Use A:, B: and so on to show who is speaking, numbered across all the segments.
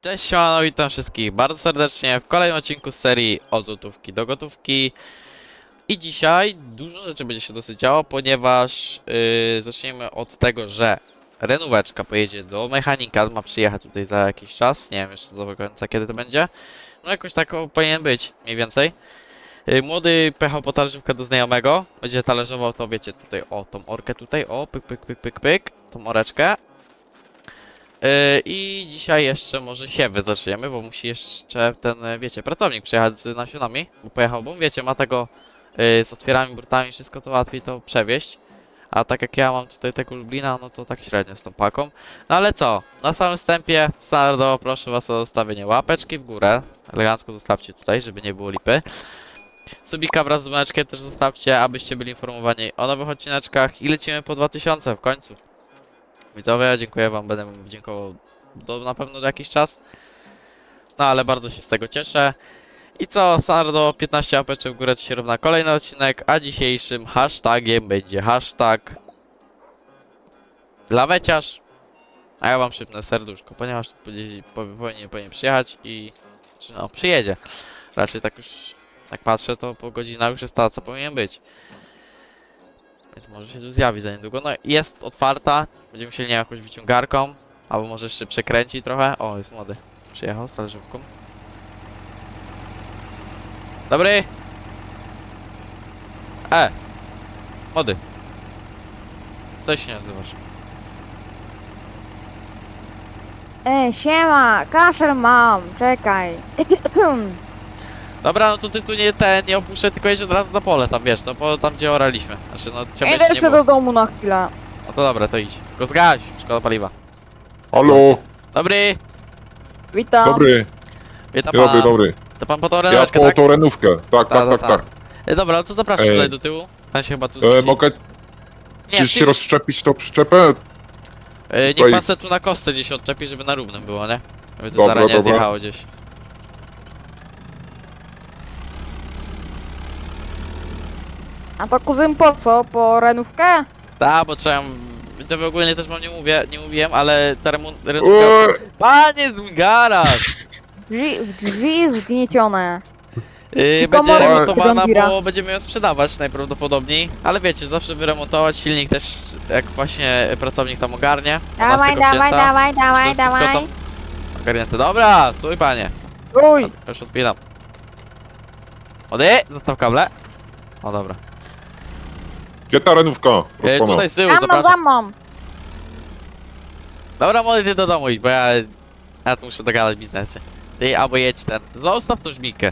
A: Cześć, siemano, witam wszystkich bardzo serdecznie w kolejnym odcinku z serii od złotówki do gotówki. I dzisiaj dużo rzeczy będzie się dosyć działo, ponieważ zaczniemy od tego, że renóweczka pojedzie do mechanika, ma przyjechać tutaj za jakiś czas, nie wiem jeszcze do końca kiedy to będzie. No jakoś tak powinien być, mniej więcej. Młody pojechał po talerzówkę do znajomego, będzie talerzował to, wiecie, tutaj, o, tą orkę tutaj, o, pyk, pyk, pyk, pyk, pyk, tą oreczkę. I dzisiaj jeszcze może siewy zaczniemy, bo musi jeszcze ten, wiecie, pracownik przyjechać z nasionami, bo pojechał, bo wiecie, ma tego z otwierami, brutami, wszystko to łatwiej to przewieźć. A tak jak ja mam tutaj tego Lublina, no to tak średnio z tą paką. No ale co, na samym wstępie, standardowo proszę was o zostawienie łapeczki w górę. Elegancko zostawcie tutaj, żeby nie było lipy. Subika wraz z dzwoneczkiem też zostawcie, abyście byli informowani o nowych odcineczkach i lecimy po 2000 w końcu. Widzowie, dziękuję wam, będę wam dziękował na pewno za jakiś czas. No ale bardzo się z tego cieszę. I co, standardowo 15 łapeczek w górę to się równa kolejny odcinek, a dzisiejszym hashtagiem będzie hashtag laweciarz. A ja wam szybne serduszko, ponieważ powinien przyjechać i no, przyjedzie. Raczej tak już, jak patrzę, to po godzinach już jest ta, co powinien być. Więc może się tu zjawi za niedługo. No jest otwarta. Będziemy musieli nie jakąś wyciągarką. Albo może jeszcze przekręci trochę. O, jest młody. Przyjechał z talerzówką. Dobry! Młody. Coś się nazywasz.
B: Siema, kaszel mam, czekaj.
A: Dobra, no to ty tu nie opuszczę, tylko jedź od razu na pole tam, wiesz, no tam gdzie oraliśmy. Znaczy, no ciebie
B: Idę
A: jeszcze nie
B: jeszcze
A: było.
B: do domu na chwilę.
A: No to dobra, to idź. Tylko zgaś, szkoda paliwa.
C: Halo,
A: Dobry!
B: Witam.
C: dobry,
A: Witam
C: dobry,
A: pana.
C: dobry.
A: To pan po tą
C: Ja
A: reneczkę,
C: po
A: tak?
C: tą renówkę, tak,
A: Ta,
C: tak,
A: ta,
C: tak, tak.
A: Dobra, no to zapraszam tutaj do tyłu. Pan się chyba tu zmieści.
C: Mogę
A: Nie,
C: gdzieś
A: ty-
C: się rozszczepić tą przyczepę?
A: niech
C: tutaj-
A: pan se tu na kostce gdzieś odczepi, żeby na równym było, nie? Żeby to
C: Dobra,
A: zaraz nie
C: dobra.
A: zjechało gdzieś.
B: A to kuzyn po co? Po renówkę?
A: Tak, bo trzeba... To ogólnie też wam nie mówiłem, ale ta renówka...
C: Eee,
A: Panie, z garaż!
B: Drzwi zgniecione.
A: Będzie
B: komory
A: remontowana,
B: Gambira.
A: bo będziemy ją sprzedawać najprawdopodobniej. Ale wiecie, zawsze wyremontować silnik też, jak właśnie pracownik tam ogarnie. Ona jest
B: Dawaj,
A: tylko
B: dawaj,
A: wzięta.
B: dawaj, dawaj,
A: Wszystko
B: dawaj.
A: tam ogarnięte. Dobra, stój panie.
B: Uj,
A: Już odpinam. Ody, zostaw kable. O dobra.
C: Gdzie ta renówka? Proszę pana.
A: Tutaj z tyłu,
B: za mną, za
A: zapraszam.
B: mną.
A: Dobra, młody, ty do domu idź, bo ja tu muszę dogadać biznesy. Ty, albo jedź ten. Zostaw tą żmikę.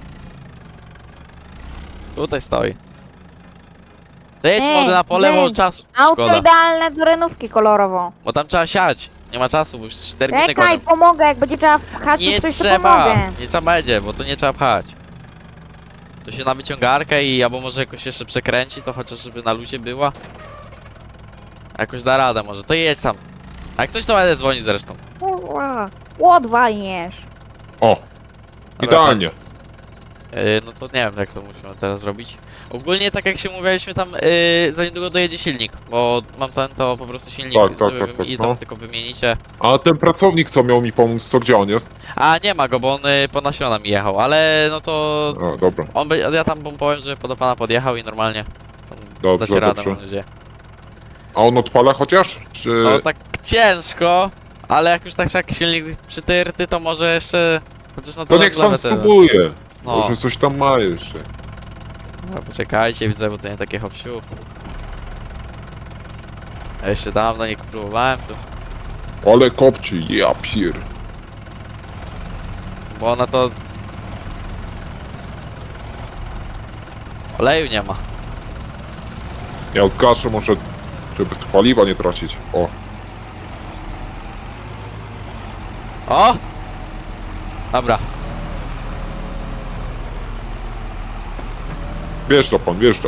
A: Tutaj stoi. Ty jedź,
B: Ej,
A: młody, na pole, bo
B: ej,
A: czas
B: Auto
A: szkoda.
B: idealne do renówki kolorowo.
A: Bo tam trzeba siać. Nie ma czasu, bo już 4 godziny
B: Czekaj,
A: gonią.
B: pomogę, jak będzie trzeba pchać,
A: Nie
B: to coś to
A: trzeba.
B: pomogę.
A: Nie trzeba będzie, bo to nie trzeba pchać. To się na wyciągarkę i albo może jakoś jeszcze przekręci, to chociaż żeby na luzie była. Jakoś da radę może. To jedź tam. A jak coś to będę dzwonił zresztą.
B: Kurwa, łot walniesz.
C: O, idealnie.
A: No to nie wiem jak to musimy teraz zrobić. Ogólnie tak jak się mówiliśmy tam, za niedługo dojedzie silnik, bo mam ten to po prostu silnik,
C: Tak, tak,
A: żeby
C: tak,
A: i
C: tak,
A: tam
C: no.
A: tylko wymienicie.
C: A ten pracownik, co miał mi pomóc, co gdzie on jest?
A: A nie ma go, bo on po nasiona mi jechał, ale no to
C: O, dobra,
A: ja tam mu powiem, że do pana podjechał i normalnie tam
C: dobrze,
A: dacie radę,
C: dobrze.
A: mam nadzieję.
C: A on odpala chociaż? Czy...
A: No tak ciężko, ale jak już tak jak silnik przytyrty, to może jeszcze chociaż na
C: To
A: to
C: niech pan spróbuje.
A: No,
C: Może coś tam ma jeszcze.
A: no poczekajcie, widzę, bo to nie takie hopsiu. Ja jeszcze dawno nie próbowałem tu,
C: Ale kopci, ja pier.
A: bo ona to... Oleju nie ma.
C: Ja zgaszę może, żeby tu paliwa nie tracić. O,
A: O! Dobra,
C: wjeżdża pan, wjeżdża.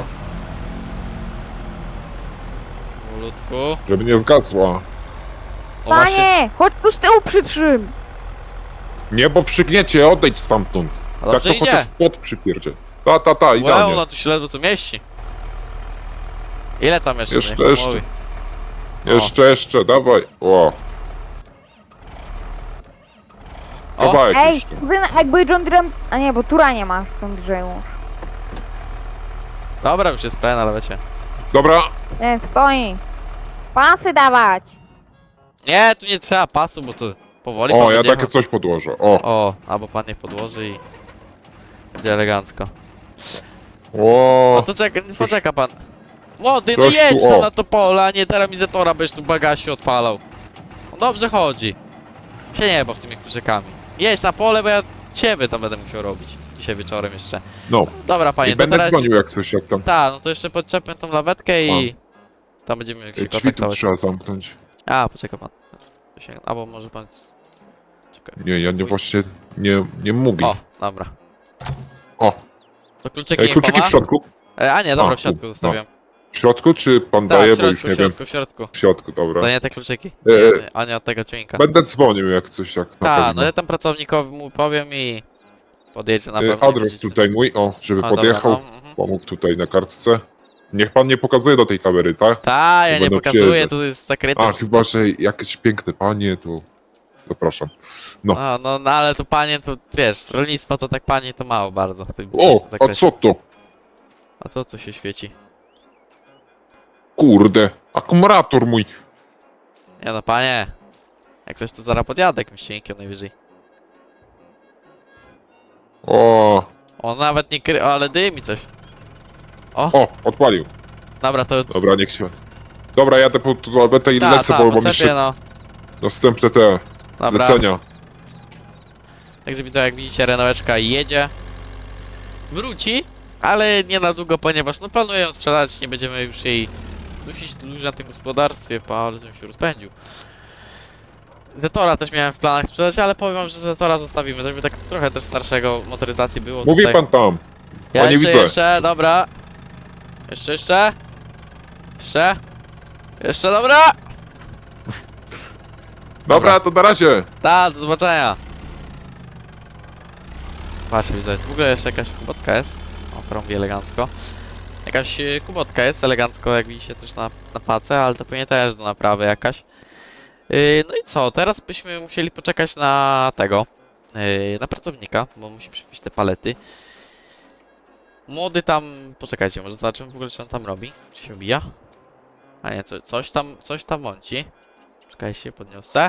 A: powolutku.
C: Żeby nie zgasła.
A: O właśnie,
B: Panie, chodź tu z tyłu przytrzym.
C: Nie, bo przygniecie, odejdź stamtąd.
A: a
C: Tak
A: dobrze
C: to
A: idzie.
C: chociaż w płot przypierdzie. Ta,
A: Wow,
C: idealnie.
A: ona tu się ledwo co mieści. Ile tam jeszcze?
C: Jeszcze,
A: Niech pan
C: jeszcze.
A: mówi. O.
C: Jeszcze, dawaj. O, kawałek
B: Ej,
C: jeszcze.
B: kuzyn, jakby John Deere... A nie, bo tura nie masz John Deere już.
A: Dobra, już jest pełen, ale wiecie.
C: Dobra,
B: Nie, stoi. Pasy dawać.
A: Nie, tu nie trzeba pasu, bo tu powoli
C: o,
A: pan
C: ja
A: będzie
C: takie
A: jechał.
C: coś podłożę. O,
A: O, albo pan nie podłoży i... Będzie elegancko.
C: o,
A: No to poczeka pan. Młody, no
C: Coś tu,
A: jedź tam
C: o.
A: na to pole, a nie teramizatora, byś tu bagażu odpalał. On dobrze chodzi. Się nie baw tymi kluczykami. Jedź na pole, bo ja ciebie tam będę musiał robić. Dzisiaj wieczorem jeszcze.
C: no.
A: Dobra, panie,
C: I będę
A: teraz...
C: dzwonił jak coś, jak tam.
A: Tak, no to jeszcze podczepię tą lawetkę i... Tam będziemy się
C: Drzwi tu
A: kontaktować.
C: trzeba zamknąć.
A: A, poczeka pan. Albo może pan... Czekaj.
C: Nie, ja nie właśnie nie mówię.
A: O, dobra.
C: O,
A: To kluczyki niech
C: kluczyki
A: pan ma?
C: w środku?
A: A nie, dobra,
C: A,
A: w środku
C: tu,
A: zostawiam.
C: W środku, czy pan
A: Tak,
C: daje,
A: w
C: bo już
A: środku,
C: nie
A: w
C: wiem.
A: środku, w środku.
C: W środku, dobra.
A: To nie te kluczyki. A nie od tego ciuńka.
C: Będę dzwonił jak coś, jak na
A: Tak,
C: pewno.
A: no ja tam pracownikowi mu powiem i... Podjedzie na pewno.
C: Adres tutaj mój, o, żeby
A: A, dobra,
C: podjechał.
A: no, mhm.
C: Pomógł tutaj na kartce. Niech pan nie pokazuje do tej kamery, tak?
A: Tak, ja nie
C: Będą
A: pokazuję,
C: przyjeżdżać.
A: tu jest zakryte.
C: A,
A: wszystko.
C: chyba, że jakieś piękne panie, to zapraszam. No.
A: No, ale to panie, to wiesz, z rolnictwa to tak panie to mało bardzo w tym
C: O, a
A: zakresie.
C: co to?
A: A co się świeci?
C: Kurde, akumulator mój.
A: Nie no, panie. Jak coś to zaraz podjadę jakimś cienkiem najwyżej.
C: O,
A: On nawet nie kry... O, ale dymi coś.
C: o, odpalił.
A: Dobra, to...
C: Dobra, niech się... Dobra, jadę po toaletę i
A: Ta,
C: lecę, bo mam
A: podczepię,
C: jeszcze
A: no.
C: następne te
A: Dobra.
C: zlecenia.
A: Także widać, jak widzicie, Renaulteczka jedzie. Wróci, ale nie na długo, ponieważ no planuję ją sprzedać, nie będziemy już jej dusić dłużej na tym gospodarstwie, ale żebym się rozpędził. Zetora też miałem w planach sprzedać, ale powiem wam, że Zetora zostawimy, żeby tak trochę też starszego motoryzacji było
C: Mówi
A: tutaj.
C: pan tam.
A: Ja
C: nie
A: jeszcze,
C: widzę.
A: jeszcze, dobra. Jeszcze. Jeszcze, dobra.
C: Dobra, to na razie.
A: Tak, do zobaczenia. Patrzcie, widać, w ogóle jeszcze jakaś kubotka jest. O, trąbi elegancko. Jakaś kubotka jest elegancko, jak widzicie też na pace, ale to pewnie też do naprawy jakaś. No i co, teraz byśmy musieli poczekać na tego, na pracownika, bo musi przywieźć te palety. Młody tam, poczekajcie, może zobaczymy w ogóle, co on tam robi. Czy się bija? A nie, coś tam mąci. Czekajcie, podniosę.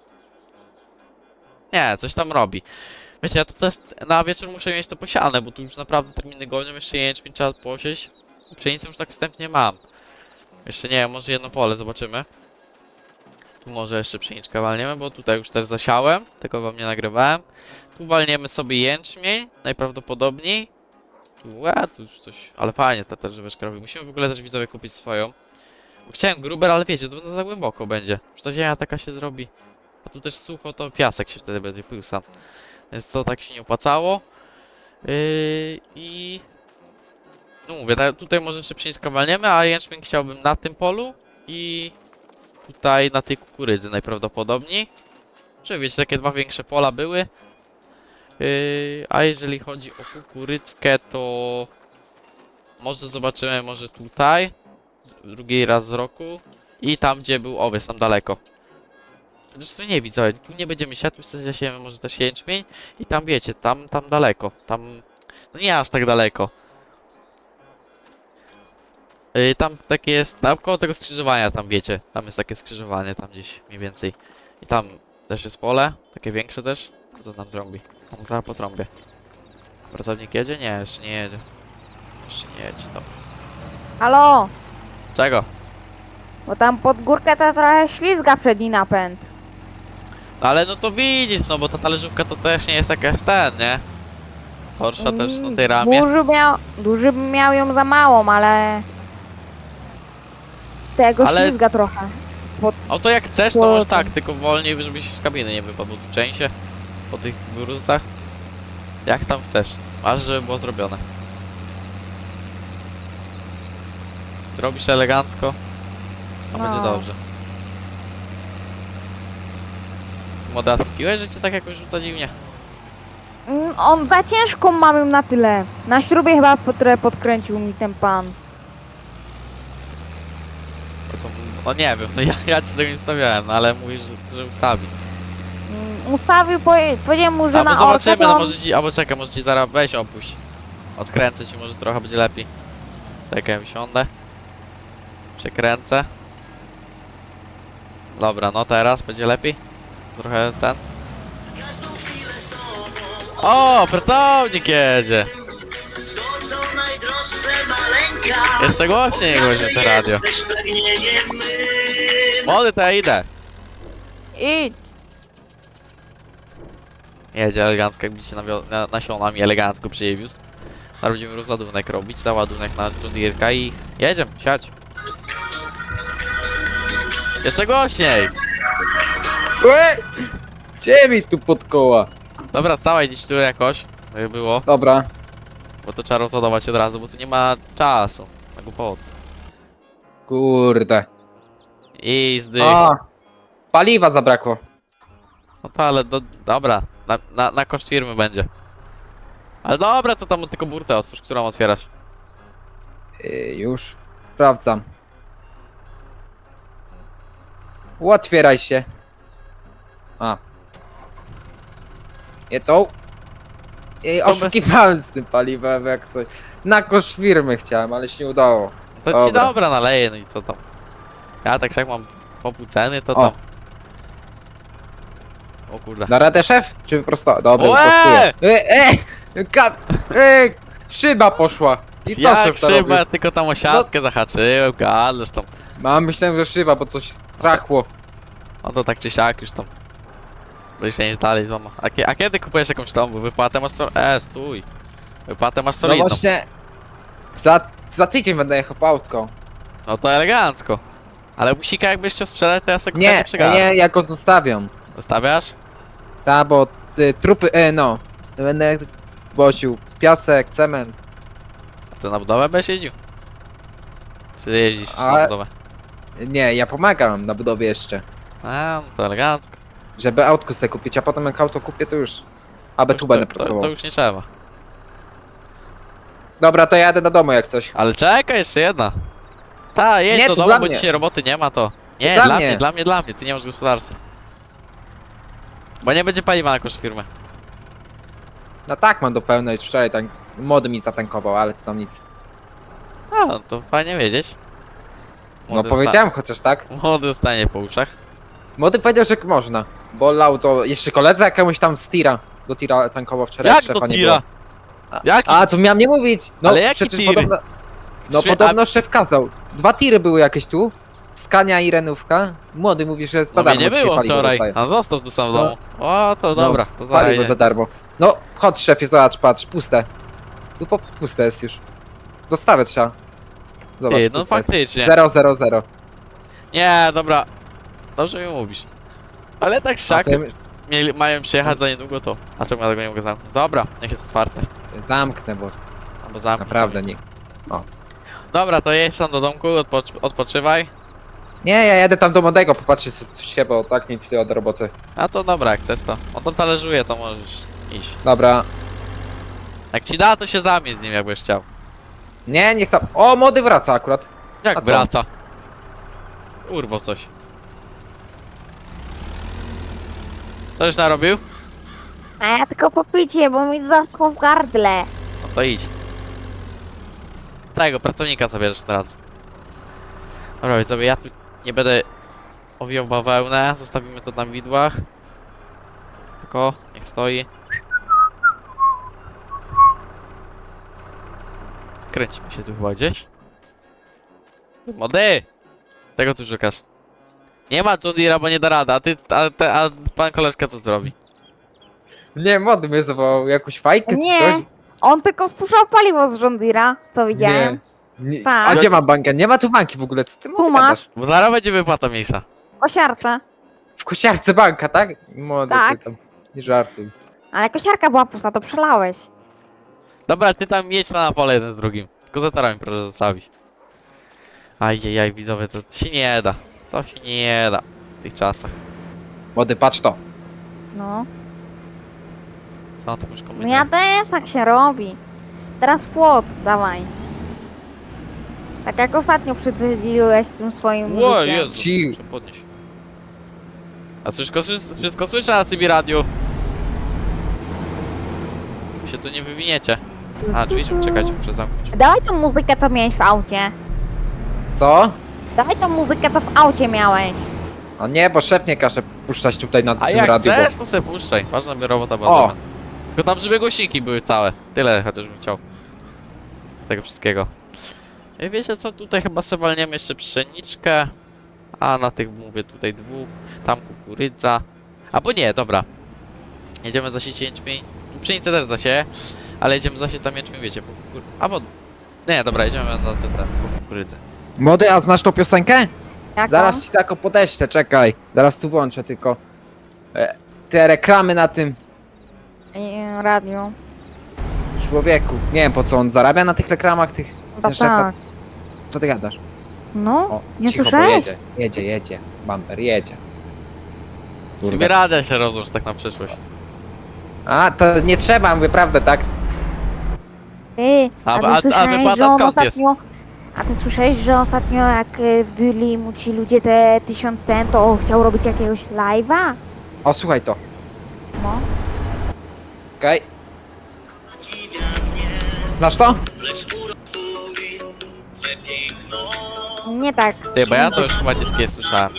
A: Nie, coś tam robi. Wiecie, ja to też na wieczór muszę mieć to posiane, bo tu już naprawdę terminy gonią, jeszcze jęczmień trzeba posieć. Pszenicę już tak wstępnie mam. Jeszcze nie wiem, może jedno pole, zobaczymy. Tu może jeszcze pszeniczkę walniemy, bo tutaj już też zasiałem, tego wam nie nagrywałem. Tu walniemy sobie jęczmień, najprawdopodobniej. Tu już coś, ale fajnie ta też żyweczka robi. Musimy w ogóle też widzowie kupić swoją. Bo chciałem gruber, ale wiecie, to za głęboko będzie. Już ta ziemia taka się zrobi. A tu też sucho, to piasek się wtedy będzie pył sam. Więc to tak się nie opłacało. I... No mówię, tutaj może jeszcze pszeniczkę walniemy, a jęczmień chciałbym na tym polu i tutaj na tej kukurydzy najprawdopodobniej. Czy wiecie, takie dwa większe pola były. A jeżeli chodzi o kukurydzkę, to może zobaczymy, może tutaj. Drugi raz z roku. I tam, gdzie był owiec, tam daleko. Zresztą nie widzę, tu nie będziemy siać, tu zasiejemy może też jęczmień. I tam wiecie, tam daleko. Tam, no nie aż tak daleko. Tam takie jest, tam koło tego skrzyżowania, tam wiecie. Tam jest takie skrzyżowanie, tam gdzieś mniej więcej. I tam też jest pole, takie większe też. Co tam trąbi? Tam zaraz po trąbie. Pracownik jedzie? Nie, jeszcze nie jedzie. Jeszcze nie jedzie, dobra.
B: Halo,
A: Czego?
B: bo tam pod górkę to trochę ślizga przedni napęd.
A: No ale no to widzisz, no bo ta talerzówka to też nie jest jakaś ten, nie? Porsche też na tej ramie.
B: Duży miał ją za małą, ale... Tego
A: Ale-
B: ślizga trochę.
A: O to jak chcesz, to
B: Bo-
A: możesz tak, tylko wolniej, żebyś z kabiny nie wypadł, bo tu częściej po tych gruzach. Jak tam chcesz, aż żeby było zrobione. Zrobisz elegancko, a
B: No.
A: będzie dobrze. Moda, piłeś, że cię tak jakoś rzuca dziwnie?
B: On za ciężką mam ją na tyle. Na śrubie chyba trochę podkręcił mi ten pan.
A: No, to, no nie wiem, no ja ci tego nie stawiałem, no ale mówisz, że ustawi.
B: ustawił, powiedziałem mu, że
A: Albo
B: na
A: zobaczymy,
B: orkę, to
A: no
B: on...
A: może ci, albo czekaj, może ci zaraz weź opuść. Odkręcę ci, może trochę będzie lepiej. Czekaj, wysiądę. Przekręcę. Dobra, no teraz będzie lepiej. Trochę ten. O, pracownik jedzie!
D: To co najdroższe maleńka.
A: Jeszcze głośniej niech będzie to radio.
D: Jesteś pragnieniem mym.
A: Młody, to ja idę.
B: I
A: Jedzie elegancko, jakby się nasionami elegancko przyjewiózł. Teraz będziemy rozładunek robić, załadunek na John Deere'ka i jedziemy, siadź. Jeszcze głośniej!
E: Gdzie mi tu pod koła?
A: Dobra, całej gdzieś tu jakoś, by było,
E: Dobra.
A: bo to trzeba rozładować od razu, bo tu nie ma czasu na głupot.
E: Kurde.
A: I zdych.
E: A, paliwa zabrakło.
A: No to ale dobra, na koszt firmy będzie. Ale dobra, to tam tylko burtę otwórz, którą otwierasz.
E: Już. Sprawdzam. Otwieraj się. A. Nie tą. Oszukiwałem z tym paliwem, jak coś. Na koszt firmy chciałem, ale się nie udało.
A: To ci
E: Dobra.
A: dobra naleję, no i co tam. Ja tak jak mam po pół ceny, to
E: O.
A: tam. O kurde.
E: Da radę szef? Czy wyprosto? Dobra,
A: Łe!
E: wyprostuję. Szyba poszła. I co
A: Jak
E: szef to
A: szyba,
E: robi?
A: tylko tam o siatkę zahaczyłem, gadasz tam.
E: No, myślałem, że szyba, bo coś trachło.
A: No to tak czy siak już tam. Będziesz się dalej złama. A kiedy kupujesz jakąś tą wypłatę masz stój. Wypłatę masz
E: No
A: solidną.
E: właśnie. Za tydzień będę jechał po autko.
A: No to elegancko. Ale busika jakbyś chciał sprzedać, to ja sobie
E: Nie,
A: przegadam.
E: ja go zostawiam.
A: Zostawiasz?
E: Ta, bo trupy, no. Będę woził piasek, cement.
A: A ty na budowę będziesz jeździł? Czy jeździsz już na
E: A-
A: budowę?
E: Nie, ja pomagam na budowie jeszcze.
A: A, no to elegancko.
E: Żeby autko sobie kupić, a potem jak auto kupię, to już. Aby tu będę pracował.
A: To już nie trzeba.
E: Dobra, to ja jadę do domu jak coś.
A: Ale czekaj, jeszcze jedna. Ta, jedź
E: Nie,
A: do
E: to
A: domu,
E: dla
A: bo
E: mnie.
A: dzisiaj roboty nie ma to. Nie,
E: dla
A: dla
E: mnie.
A: mnie, dla mnie, ty nie masz gospodarstwa. Bo nie będzie paliwa na koszt firmy.
E: No tak, mam do pełnej. Wczoraj młody mi zatankował, ale to tam nic.
A: A, no to fajnie wiedzieć.
E: No powiedziałem chociaż tak.
A: Młody zostanie po uszach.
E: Młody powiedział, że można. Bo lał to jeszcze koledze jakiemuś tam z tira. Do tira tankował wczoraj.
A: Jak
E: szefa
A: do
E: nie
A: tira?
E: było.
A: Jaki?
E: A, to miałem nie mówić. No,
A: Ale jaki
E: przecież
A: tiry?
E: podobno. No
A: Szwie-
E: podobno szef kazał. 2 tiry były jakieś tu. Skania i Renówka. Młody mówi, że za
A: No mnie
E: darmo
A: nie
E: dzisiaj
A: było
E: paliwo
A: wczoraj.
E: dostaje.
A: A został tu sam w
E: No.
A: domu. O, to dobra, to
E: Paliwo
A: zaraz.
E: za darmo. No, chodź szefie, zobacz, patrz, puste. Tu puste jest już. Dostawę trzeba. Zobacz,
A: Ty, no
E: puste jest.
A: faktycznie.
E: 000.
A: Nie, dobra. Dobrze mi mówisz. Ale tak
E: A
A: szak,
E: to ja
A: mają przyjechać za niedługo to. A czemu ja tego nie mogę zamknąć? Dobra, niech jest otwarte.
E: zamknę, bo
A: Albo zamknij.
E: naprawdę nie.
A: Dobra, to jedź tam do domku, odpoczywaj.
E: Nie, ja jadę tam do młodego popatrzeć co się, bo tak nic nie ma do roboty.
A: A to dobra, jak chcesz to. On tam talerzuje, to możesz iść.
E: Dobra.
A: Jak ci da, to się zamień z nim, jakbyś chciał.
E: Nie, niech tam. O, młody wraca akurat.
A: Jak
E: A co?
A: wraca? Urwo coś. Co już narobił?
B: A ja tylko popicie, bo mi zaschło w gardle.
A: No to idź. Tego, pracownika zabierzesz od razu. Dobra, więc sobie ja tu nie będę owijał bawełnę, zostawimy to na widłach. Tylko, niech stoi. Kręcimy się tu chyba gdzieś. Młody! Tego tu szukasz. Nie ma John Deere'a, bo nie da rady, a pan koleżka co zrobi?
E: Nie, młody mnie zawołał. Jakąś fajkę
B: Nie.
E: czy coś?
B: On tylko spuszczał paliwo z John Deere'a, co widziałem.
E: Nie.
B: Tak.
E: A gdzie mam bankę? Nie ma tu banki w ogóle. Co ty
B: Tu
E: młody
B: masz.
E: gadasz?
A: Bo zaraz będzie wypłata mniejsza.
B: Kosiarce.
E: W kosiarce banka, tak? Młody,
B: Tak.
E: ty tam. Nie żartuj.
B: Ale kosiarka była pusta, to przelałeś.
A: Dobra, ty tam jedź na pole jeden z drugim. Tylko za torami proszę zostawić. Ajajaj, widzowie, to się nie da. To się nie da w tych czasach.
E: Młody, patrz to.
B: No.
A: Co on tam już
B: No
A: kombinuje?
B: ja też tak się robi. Teraz w płot, dawaj. Tak jak ostatnio przycedziłeś z tym swoim
A: Ło,
B: wózkiem.
A: Jezu,
E: Ci-
A: muszę podnieść. A wszystko słyszę na CB radiu. Się tu nie wywiniecie. A, drzwi, czekajcie, muszę zamknąć.
B: Dawaj tą muzykę, co miałeś w aucie.
E: Co?
B: Dawaj tą muzykę, co w aucie miałeś.
E: A nie, bo szef nie każe puszczać tutaj na
A: A
E: tym
A: jak
E: radiu,
A: chcesz, to sobie puszczaj. Ważna by robota była
E: O!
A: zrobiona. Tylko tam, żeby głośniki były całe. Tyle chociaż bym chciał. Tego wszystkiego. I wiecie co, tutaj chyba sobie walniemy jeszcze pszeniczkę. A na tych mówię tutaj dwóch. Tam kukurydza. Albo nie, dobra. Jedziemy zasieć jęczmień. Tu pszenicę też zasieję. Ale jedziemy zasieć tam jęczmień, wiecie, po kukurydzy. Albo... Nie, dobra, jedziemy na ten po kukurydzy.
E: Młody, a znasz tą piosenkę?
B: Jaką?
E: Zaraz ci tako podeślę, czekaj. Zaraz tu włączę tylko. Te reklamy na tym
B: Radio.
E: człowieku. Nie wiem po co on zarabia na tych reklamach, tych...
B: No
E: Ten szef
B: tak.
E: tak... Co ty gadasz?
B: No,
E: O,
B: nie
E: cicho, bo
B: słyszałeś?
E: jedzie. Bumper jedzie.
A: Sobie radę się rozłącz tak na przyszłość.
E: A, to nie trzeba, mówię prawdę, tak?
B: Ty,
A: A
B: ty
A: wypłata
B: słyszałeś, że on
A: skąd jest?
B: ostatnio... A ty słyszałeś, że ostatnio jak byli mu ci ludzie te 1000 ten, to chciał robić jakiegoś live'a?
E: O, słuchaj to.
B: No.
E: Okej. Znasz to?
B: Nie tak.
A: Ty, bo ja to już chyba niskie słyszałem.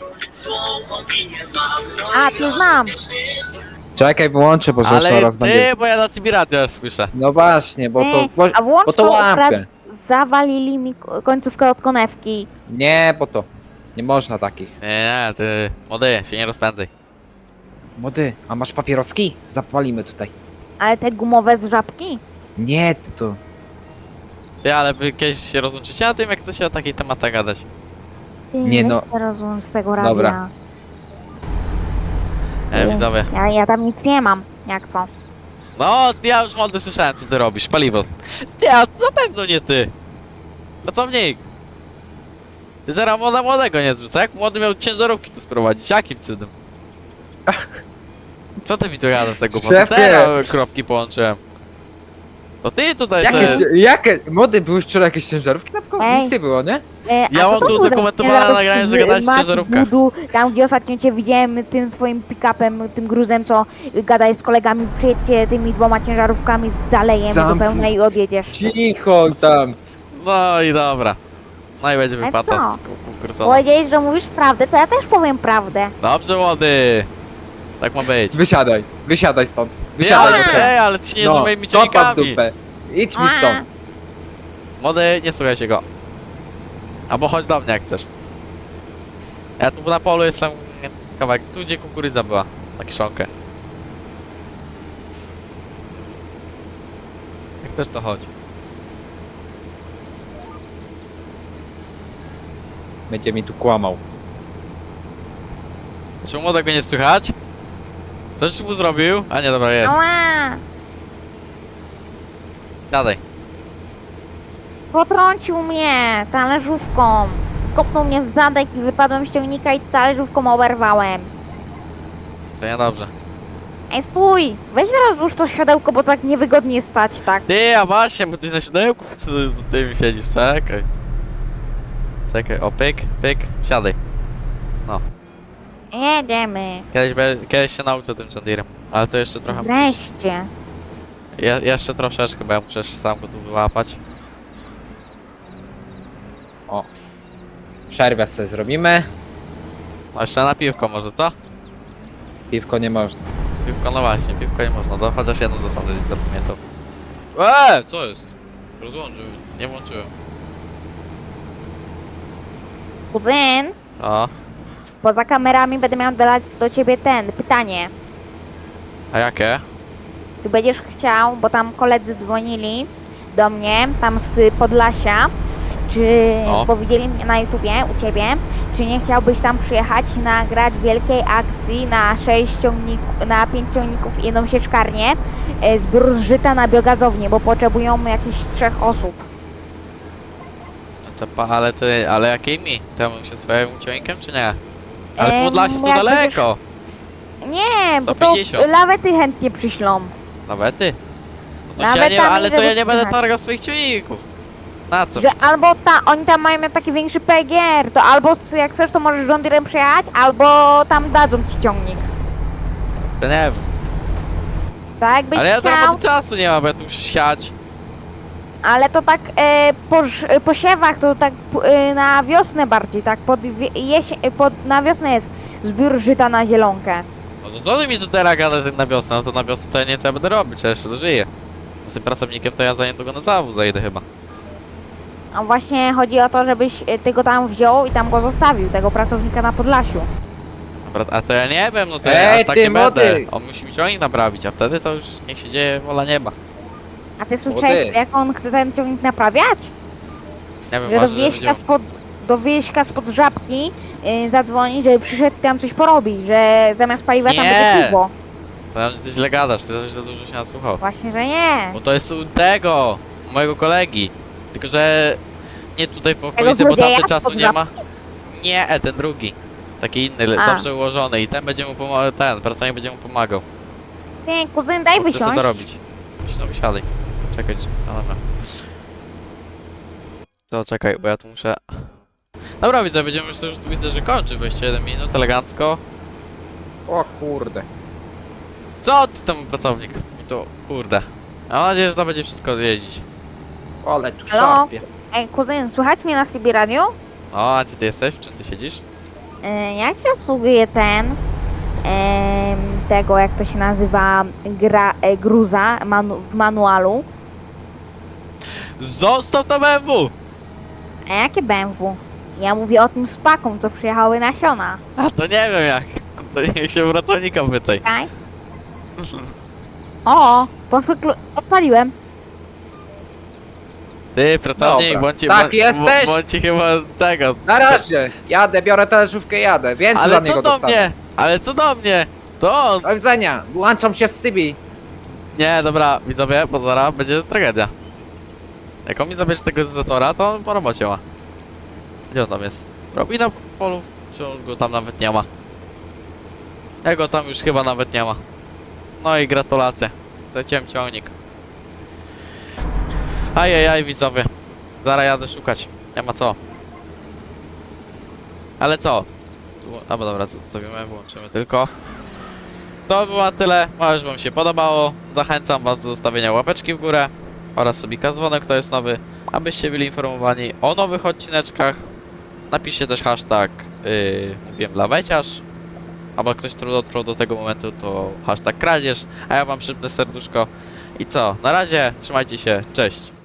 B: A, ty znam.
E: Czekaj, wyłączę, bo
A: Ale
E: zaraz będzie...
A: ty, bo ja na CB radio już słyszę.
E: No właśnie, bo to...
B: Ej, a włącz
E: Bo to
B: to,
E: łapie.
B: zawalili mi końcówkę od konewki.
E: Nie, bo to... Nie można takich.
A: Nie, ty, młody, się nie rozpędzaj.
E: Młody, a masz papieroski? Zapalimy tutaj.
B: Ale te gumowe z żabki?
E: Nie, ty to...
A: Ty, ale wy kiedyś się rozłączycie na tym, jak chcecie o takiej tematach gadać.
B: Ty,
E: Nie,
B: weź
E: no.
B: się rozłącz z tego radia.
E: Dobra.
A: Widzowie.
B: Ja tam nic nie mam, jak co?
A: No, ja już młody słyszałem, co ty robisz, paliwo. Ty, a to na pewno nie ty. Pracownik. Ty teraz młodego nie zrzuca. Jak młody miał ciężarówki tu sprowadzić? Jakim cudem? Co ty mi tu gadasz z tego? Bo
E: Szefie!
A: teraz kropki połączyłem. To ty tutaj
E: Jakie... Młody, były wczoraj jakieś ciężarówki na przykład?
B: Ej.
E: Nic nie było, nie?
B: A
A: Ja
B: co
A: mam
B: to
A: tu
B: był za
A: dokumentowane
B: ciężarówki
A: nagranie, że
B: z
A: gadałeś w
B: Mac
A: ciężarówkach.
B: Budu, Tam gdzie ostatnio cię widziałem tym swoim pick-upem, tym gruzem, co gadaj z kolegami, przyjedźcie tymi 2 ciężarówkami zalejem do
E: Zamknij.
B: pełna i odjedziesz.
E: Cicho tam.
A: No i dobra. No i będzie
B: Ale
A: wypłata
B: co?
A: z kukurydzona.
B: Powiedziałeś, że mówisz prawdę, to ja też powiem prawdę.
A: Dobrze, młody. Tak ma być.
E: Wysiadaj stąd.
A: Ty,
E: Wysiadaj.
A: ale,
E: do
A: ty, ale ty się nie z moimi
E: kopa w
A: ciągnikami.
E: dupę. Idź mi stąd.
A: Młody, nie słuchaj się go. Albo chodź do mnie jak chcesz. Ja tu na polu jestem kawałek, tu gdzie kukurydza była, na kiszonkę. Jak też to chodzi.
E: Będzie mi tu kłamał.
A: Czy młodego nie słychać? Coś mu zrobił? A nie, dobra, jest.
B: Ała!
A: Siadaj.
B: Potrącił mnie talerzówką. Kopnął mnie w zadek i wypadłem z ciągnika i talerzówką oberwałem.
A: To niedobrze.
B: Ej, stój! Weź rozłóż to siodełko, bo tak niewygodnie stać, tak.
A: Ty, a właśnie, bo ty na siodełku z tym siedzisz, czekaj. Czekaj, o pyk, pyk, siadaj.
B: Jedziemy.
A: Kiedyś się nauczę tym Chandirem, ale to jeszcze trochę musisz.
B: Wreszcie.
A: Jeszcze troszeczkę, bo ja muszę jeszcze sam go tu wyłapać.
E: Przerwę sobie zrobimy.
A: No jeszcze na piwko może, co?
E: Piwko nie można.
A: Piwko, no właśnie, piwko nie można, to chociaż jedną zasadę gdzieś zapamiętał. Co jest? Rozłączył, nie włączyłem.
B: Kuzyn,
A: O,
B: poza kamerami będę miał do ciebie pytanie.
A: a jakie?
B: Ty będziesz chciał, bo tam koledzy dzwonili do mnie, tam z Podlasia, czy
A: No.
B: bo widzieli mnie na YouTubie u ciebie, czy nie chciałbyś tam przyjechać i nagrać wielkiej akcji na 5 ciągników i 1 sieczkarnię, zbiór żyta na biogazownię, bo potrzebują jakieś 3 osób.
A: No to ale jakimi? Tam się swoim ciągnikiem, czy nie? Ale
B: Em,
A: Podlasie to
B: jak
A: daleko!
B: Nie, bo to
A: 150.
B: lawety chętnie przyślą.
A: Nawet ty? No to
B: Nawet
A: ja nie,
B: tam
A: ale to
B: żeby
A: ja nie będę
B: przyjechać.
A: targał swoich ciągników. Na co?
B: Że albo oni tam mają taki większy PGR, to albo jak chcesz, to możesz John Deere'em przejechać, albo tam dadzą ci ciągnik.
A: To nie wiem.
B: Tak jakbyś
A: Ale ja
B: chciał,
A: teraz czasu nie mam, bo ja tu muszę siać.
B: ale to tak po siewach to tak na wiosnę bardziej, tak na wiosnę jest zbiór żyta na zielonkę.
A: No to co ty mi tu teraz gadasz na wiosnę? No to na wiosnę to ja nie wiem co ja będę robić, ja jeszcze dożyję. Z tym pracownikiem to ja za niedługo na zawód zajdę chyba.
B: A właśnie chodzi o to, żebyś ty go tam wziął i tam go zostawił, tego pracownika na Podlasiu.
A: Dobra, a to ja nie wiem, no to ja
E: Ej,
A: aż tak
E: ty
A: nie będę.
E: młody!
A: On musi mi ciągnik naprawić, a wtedy to już niech się dzieje wola nieba.
B: A ty słyszałeś,
E: Młody.
B: jak on chce ten ciągnik naprawiać?
A: Nie wiem,
B: Że
A: może będzie...
B: do wieśka spod Żabki zadzwoni, żeby przyszedł tam coś porobić, że zamiast paliwa tam
A: Nie.
B: będzie piwo.
A: To ty źle gadasz, ty za dużo się nasłuchał.
B: Właśnie, że nie.
A: Bo to jest u tego, u mojego kolegi. Tylko, że nie tutaj w okolicy, bo
B: złodzieja
A: tamty czasu
B: spod
A: nie ma. Nie, ten drugi. Taki inny,
B: A.
A: dobrze ułożony i ten będzie mu pomagał, ten pracownik będzie mu pomagał.
B: Nie, kuzyn, daj
A: Bo chce sobie
B: wysiąść.
A: dorobić. No wysiadaj. Czekaj, no dobra. To czekaj, bo ja tu muszę... Dobra, widzę, będziemy już tu widzę, że kończy 21 minut, elegancko.
E: O kurde.
A: Co ty tam pracownik? I to, kurde. Mam nadzieję, że to będzie wszystko jeździć.
E: Ale tu
B: Halo?
E: szarpie.
B: Ej, kuzyn, słychać mnie na CB Radio?
A: O, a gdzie ty jesteś? W czym ty siedzisz?
B: Jak się obsługuje tego jak to się nazywa, gruza w manualu?
A: Zostaw to BMW!
B: A jakie BMW? Ja mówię o tym z paką, co przyjechały nasiona.
A: A to nie wiem jak. To niech się pracownika pytaj.
B: Czekaj. O, odpaliłem.
A: Ty, pracownik,
E: Dobra.
A: bądź
E: Tak, jesteś?
A: Bądź chyba tego.
E: Na razie. Jadę, biorę talerzówkę, jadę. Więcej za
A: Ale
E: niego
A: co do
E: dostanę.
A: mnie? Ale co do mnie? To on!
E: Do widzenia. Włączam się z Sybi.
A: Nie, dobra, widzowie, bo zaraz będzie tragedia. Jak on mi zabierze tego zetora, to on po robocie ma. Gdzie on tam jest? Robi na polu? Czy on go tam nawet nie ma? Jego tam już chyba nawet nie ma. No i gratulacje. Zleciłem ciągnik. Ajajaj, widzowie. Zaraz jadę szukać. Nie ma co. Ale co? Albo dobra, zostawimy, włączymy tylko. To było na tyle. Mam już wam się podobało. Zachęcam was do zostawienia łapeczki w górę oraz subika dzwonek, kto jest nowy, abyście byli informowani o nowych odcineczkach. Napiszcie też hashtag mówiłem laweciarz. Albo ktoś, kto dotrwał do tego momentu, to hashtag kradzież. A ja wam szybne serduszko. I co? Na razie, trzymajcie się, cześć.